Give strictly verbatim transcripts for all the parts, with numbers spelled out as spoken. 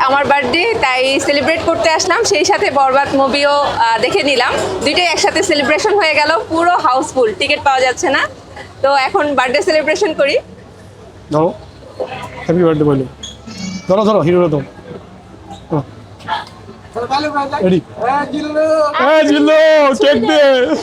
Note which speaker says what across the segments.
Speaker 1: আমার বার্থডে, তাই সেলিব্রেট করতে আসলাম, সেই সাথে বরবাদ মুভিও দেখে নিলাম। দুইটাই একসাথে সেলিব্রেশন হয়ে গেল, পুরো হাউসফুল, টিকিট পাওয়া যাচ্ছে না। তো এখন বার্থডে সেলিব্রেশন করি।
Speaker 2: ধরো, হ্যাপি বার্থডে বলো। ধরো ধরো হিরো তো রেডি। হ্যাঁ জিল্লো, কেক দে,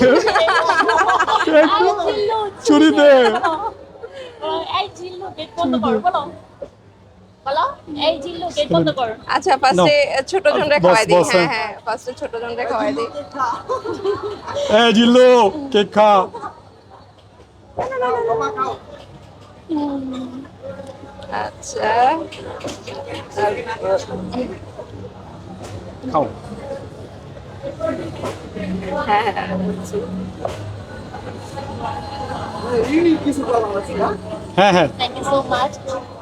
Speaker 2: কেক চুরি দে।
Speaker 3: এই জিল্লু গেট বন্ধ কর, বলো বলো, এই জিল্লু গেট বন্ধ কর।
Speaker 1: আচ্ছা, ফার্স্টে ছোট জনরে খাওয়াই দিই।
Speaker 2: বস,
Speaker 1: হ্যাঁ
Speaker 2: হ্যাঁ।
Speaker 1: হ্যাঁ, ফার্স্টে ছোট জনরে খাওয়াই দিই।
Speaker 2: হ্যাঁ জিল্লো, কেক খা।
Speaker 1: আচ্ছা,
Speaker 2: খাও।
Speaker 1: হ্যাঁ হ্যাঁ বুঝছি।
Speaker 2: হ্যাঁ হ্যাঁ
Speaker 3: থ্যাংক ইউ সো মাচ।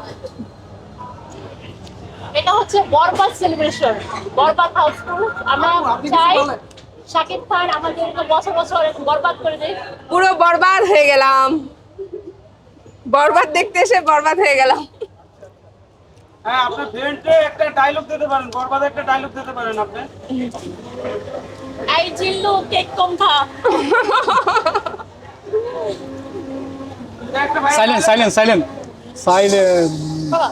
Speaker 3: এটা হচ্ছে বরবাদ সেলিব্রেশন, বরবাদ হাউসফুল। আমরা চাই শাকিব খান আমাদেরকে বছর বছর এরকম বরবাদ করে দেয়।
Speaker 1: পুরো বরবাদ হয়ে গেলাম, বরবাদ দেখতে এসে বরবাদ হয়ে গেলাম।
Speaker 4: হ্যাঁ, আপনার ফ্রেন্ডে একটা ডায়লগ দিতে পারেন, বরবাদে একটা ডায়লগ দিতে পারেন আপনি।
Speaker 3: এই জিল্লু কেক কম খা।
Speaker 4: এটা একটা ভাই
Speaker 2: সাইলেন্ট সাইলেন্ট সাইলেন্ট সাইলেন্ট।
Speaker 3: বাবা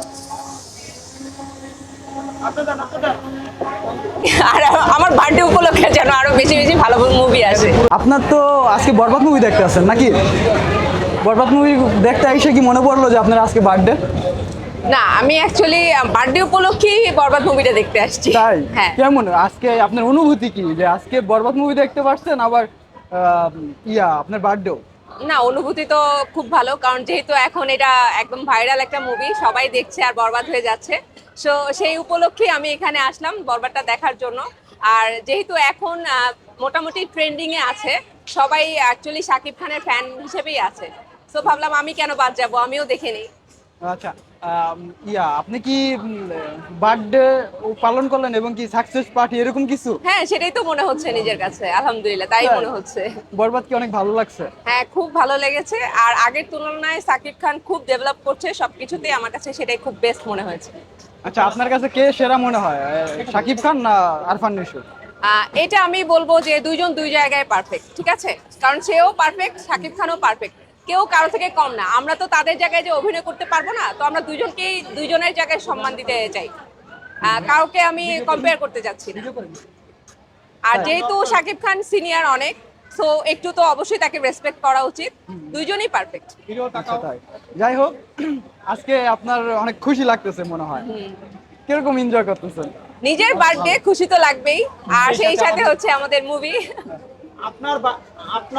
Speaker 4: আপনি দেন, আপনি দেন।
Speaker 1: আর আমার বার্থডে উপলক্ষে যেন আরো বেশি বেশি ভালো মুভি আসে।
Speaker 5: আপনার তো আজকে বরবাদ মুভি দেখতে আসছেন নাকি? বরবাদ মুভি দেখতে এসে কি মনে পড়লো যে আপনার আজকে বার্থডে?
Speaker 1: না, আমি অ্যাকচুয়ালি বার্থডে উপলক্ষেই বরবাদ মুভিটা দেখতে আসছি।
Speaker 5: তাই?
Speaker 1: হ্যাঁ।
Speaker 5: কেমন আজকে আপনার অনুভূতি কি যে আজকে বরবাদ মুভি দেখতে পারছেন, আবার আহ, ইয়া আপনার বার্থডেও?
Speaker 1: না, অনুভূতি তো খুব ভালো, কারণ যেহেতু এখন এটা একদম ভাইরাল একটা মুভি, সবাই দেখছে আর বরবাদ হয়ে যাচ্ছে। সো সেই উপলক্ষে আমি এখানে আসলাম বরবাদটা দেখার জন্য। আর যেহেতু এখন আহ, মোটামুটি ট্রেন্ডিং এ আছে, সবাই অ্যাকচুয়ালি শাকিব খানের ফ্যান হিসেবেই আছে। সো ভাবলাম আমি কেন বাদ যাবো, আমিও দেখে নিই।
Speaker 5: আচ্ছা, আম, ইয়া আপনি কি বার্থডে পালন করলেন এবং কি সাকসেস পার্টি এরকম কিছু?
Speaker 1: হ্যাঁ, সেটাই তো মনে হচ্ছে নিজের কাছে, আলহামদুলিল্লাহ তাই
Speaker 5: তাই?
Speaker 1: মনে হচ্ছে।
Speaker 5: বরবাদ কি অনেক ভালো লাগছে?
Speaker 1: হ্যাঁ, খুব ভালো লেগেছে। আর আগের তুলনায় শাকিব খান খুব ডেভেলপ করছে সবকিছুতেই, আমার কাছে সেটাই খুব বেস্ট মনে হয়েছে।
Speaker 5: আচ্ছা, আপনার কাছে কে সেরা মনে হয়, শাকিব খান না আরফান নিশো?
Speaker 1: আহ, এটা আমি বলবো যে দুইজন দুই জায়গায় পারফেক্ট, ঠিক আছে? কারণ সেও পারফেক্ট, শাকিব খানও পারফেক্ট, কেউ কারো থেকে কম না। আমরা তো তাদের জায়গায় যে অভিনয় করতে পারবো না, তো আমরা দুইজনকেই দুইজনের জায়গায় সম্মান দিতে চাই। আহ, কাউকে আমি কম্পেয়ার করতে যাচ্ছি না। আর যেহেতু শাকিব খান সিনিয়র অনেক, সো একটু তো অবশ্যই তাকে রেসপেক্ট করা উচিত। দুইজনই পারফেক্ট।
Speaker 5: আচ্ছা, তাই। যাই হোক, আজকে আপনার অনেক খুশি লাগতেছে মনে হয়, কিরকম এনজয় করতেছেন?
Speaker 1: নিজের বার্থডে, খুশি তো লাগবেই, আর সেই সাথে হচ্ছে আমাদের মুভি।
Speaker 4: আপনার বা- আপনার